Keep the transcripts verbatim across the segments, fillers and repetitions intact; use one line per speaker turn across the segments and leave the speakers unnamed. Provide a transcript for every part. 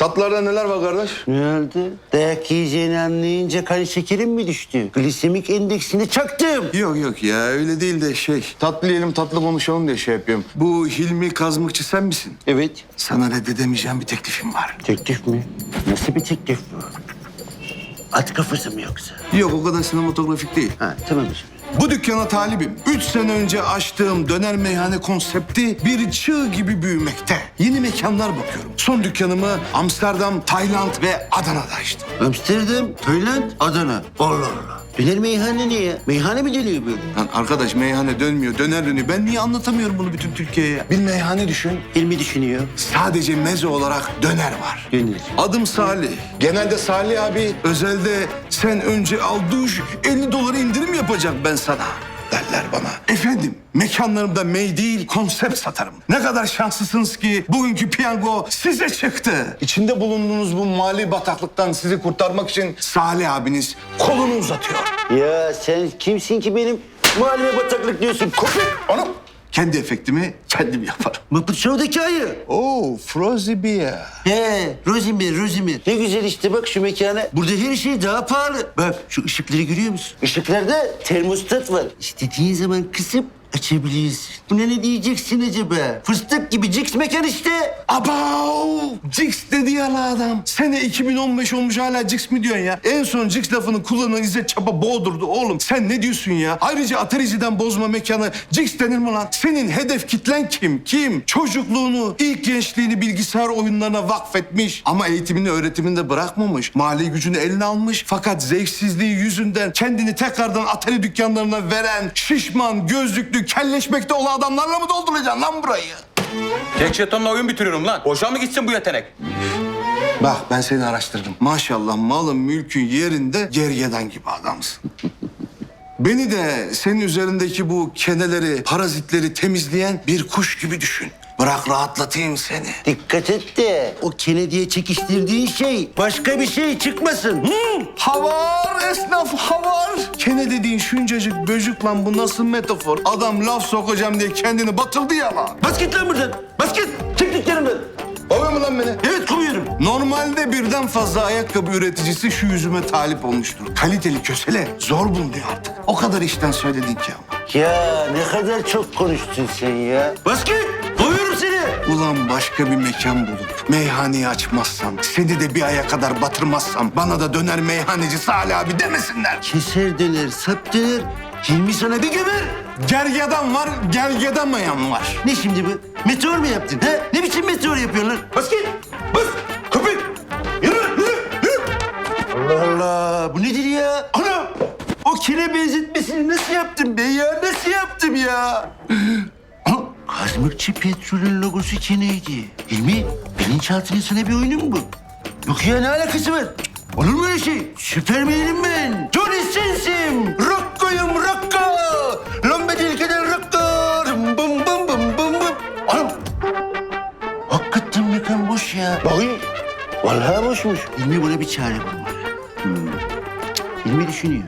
Tatlılarda neler var kardeş?
Ne oldu? Dayak yiyeceğini anlayınca kan şekerim mi düştü? Glisemik endeksini çaktım.
Yok yok ya öyle değil de şey. Tatlı yiyelim tatlı konuşalım diye şey yapıyorum. Bu Hilmi Kazmıkçı sen misin?
Evet.
Sana reddedemeyeceğim bir teklifim var.
Teklif mi? Nasıl bir teklif bu? At kafası mı yoksa?
Yok o kadar sinematografik değil.
Ha tamam hocam.
Bu dükkana talibim. Üç sene önce açtığım döner meyhane konsepti bir çığ gibi büyümekte. Yeni mekanlar bakıyorum. Son dükkanımı Amsterdam, Tayland ve Adana'da açtım.
Amsterdam, Tayland, Adana. Allah Allah. Döner meyhane ne ya? Meyhane mi dönüyor böyle?
Lan arkadaş meyhane dönmüyor, döner dönüyor. Ben niye anlatamıyorum bunu bütün Türkiye'ye? Bir meyhane düşün.
Hilmi düşünüyor.
Sadece meze olarak döner var.
Döner.
Adım Salih. Genelde Salih abi, özelde sen önce al duş, elli dolara indirim yapacak ben sana derler bana. Efendim, mekanlarımda mey değil, konsept satarım. Ne kadar şanslısınız ki bugünkü piyango size çıktı. İçinde bulunduğunuz bu mali bataklıktan sizi kurtarmak için Salih abiniz kolunu uzatıyor.
Ya sen kimsin ki benim mahalleme bataklık diyorsun? Köpek!
Onu kendi efektimi kendim yaparım.
Muppet Show'daki ayı.
Oo, Frozy Beer.
He, Rosimir, Rosimir. Ne güzel işte bak şu mekana. Burada her şey daha pahalı. Bak şu ışıkları görüyor musun? Işıklarda termostat var. İstediğin zaman kısıp açabiliyorsun. Buna ne diyeceksin acaba? Fıstık gibi Cix mekan işte.
Abav! Cix dedi ya la adam. Sene iki bin on beş olmuş hala Cix mi diyorsun ya? En son Cix lafını kullanan İzzet Çapa boğdurdu oğlum. Sen ne diyorsun ya? Ayrıca Atari'den bozma mekanı Cix denir mi lan? Senin hedef kitlen kim? Kim? Çocukluğunu, ilk gençliğini bilgisayar oyunlarına vakfetmiş. Ama eğitimini, öğretimini de bırakmamış. Mali gücünü eline almış. Fakat zevksizliği yüzünden kendini tekrardan Atari dükkanlarına veren şişman, gözlüklü, kelleşmekte olan adamlarla mı dolduracaksın lan burayı?
Tek jetonla oyun bitiriyorum lan. Boşa mı gitsin bu yetenek?
Bak ben seni araştırdım. Maşallah malın mülkün yerinde gergedan gibi adamsın. Beni de senin üzerindeki bu keneleri, parazitleri temizleyen bir kuş gibi düşün. Bırak rahatlatayım seni.
Dikkat et de o Kennedy'ye çekiştirdiğin şey başka bir şey çıkmasın. Hı?
Havar esnaf havar. Kene dediğin şuncacık böcük lan bu nasıl metafor? Adam laf sokacağım diye kendini batırdı ya lan.
Bas git lan buradan. Bas git. Çık dükkanımdan.
Kovuyor mu lan beni?
Evet kovuyorum.
Normalde birden fazla ayakkabı üreticisi şu yüzüme talip olmuştur. Kaliteli kösele zor bulunuyor artık. O kadar işten söyledin ki ama.
Ya ne kadar çok konuştun sen ya. Bas git. Kovuyorum seni.
Ulan başka bir mekan bulup meyhaneyi açmazsam, seni de bir aya kadar batırmazsam bana da döner meyhaneci Salih abi demesinler.
Keser döner, sap döner. Hilmi sana bir gömer.
Gergedan var, gergedamayan var.
Ne şimdi bu? Meteor mu yaptın? Ha? Ne biçim meteor yapıyorsun lan? Bas git. Bas. Köpek. Yürü, yürü, yürü. Allah Allah. Bu nedir ya? Ana. O kine benzetmesini nasıl yaptım ben ya? Nasıl yaptım ya? Kazmıkçı Petrol'ün logosu kineydi. Hilmi, bilinçaltının sana bir oyunu mu bu? Yok ya ne alakası var? Olur mu öyle şey? Süpermenim ben. Johnny Sins'im. Rocko'yum Rocko. Lombe dilkeden Rocko. Bum bum bum bum bum bum. Anam. Hakikaten mekan boş ya. Bakayım. Vallahi boşmuş. Hilmi buna bir çare bulmalı. Hmm. Cık, Hilmi düşünüyor.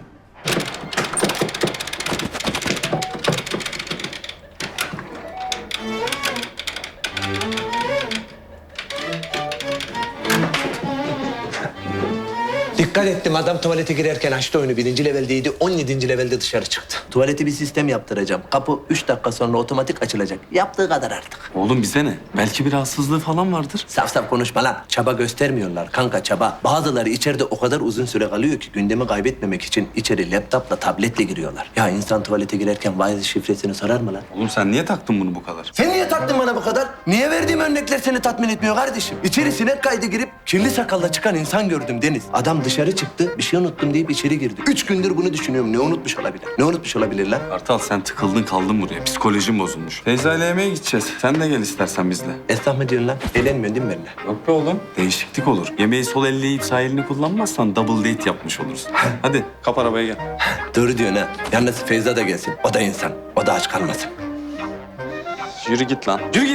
Dikkat ettim adam tuvalete girerken açtı oyunu. Birinci leveldeydi, on yedinci levelde dışarı çıktı. Tuvaleti bir sistem yaptıracağım. Kapı üç dakika sonra otomatik açılacak. Yaptığı kadar artık.
Oğlum bize ne? Belki bir rahatsızlığı falan vardır.
Saf saf konuşma lan. Çaba göstermiyorlar kanka çaba. Bazıları içeride o kadar uzun süre kalıyor ki gündemi kaybetmemek için içeri laptopla, tabletle giriyorlar. Ya insan tuvalete girerken Wi-Fi şifresini sorar mı lan?
Oğlum sen niye taktın bunu bu kadar?
Sen niye taktın bana bu kadar? Niye verdiğim örnekler seni tatmin etmiyor kardeşim? İçeri sinek kaydı girip kirli sakalla çıkan insan gördüm Deniz. Adam dışarı çıktı, bir şey unuttum deyip içeri girdi. Üç gündür bunu düşünüyorum. Ne unutmuş olabilir? Ne unutmuş olabilir lan?
Kartal sen tıkıldın kaldın buraya. Psikolojin bozulmuş. Feyza ile yemeğe gideceğiz. Sen de gel istersen bizle.
Esnaf mı diyorsun lan? Eğlenmiyorsun değil mi benimle?
Yok be oğlum. Değişiklik olur. Yemeği sol elle yiyip sağ elini kullanmazsan double date yapmış olursun. Hadi kap arabaya gel.
Doğru diyorsun ha. Yalnız Feyza da gelsin. O da insan. O da aç kalmasın.
Yürü git lan. Yürü git.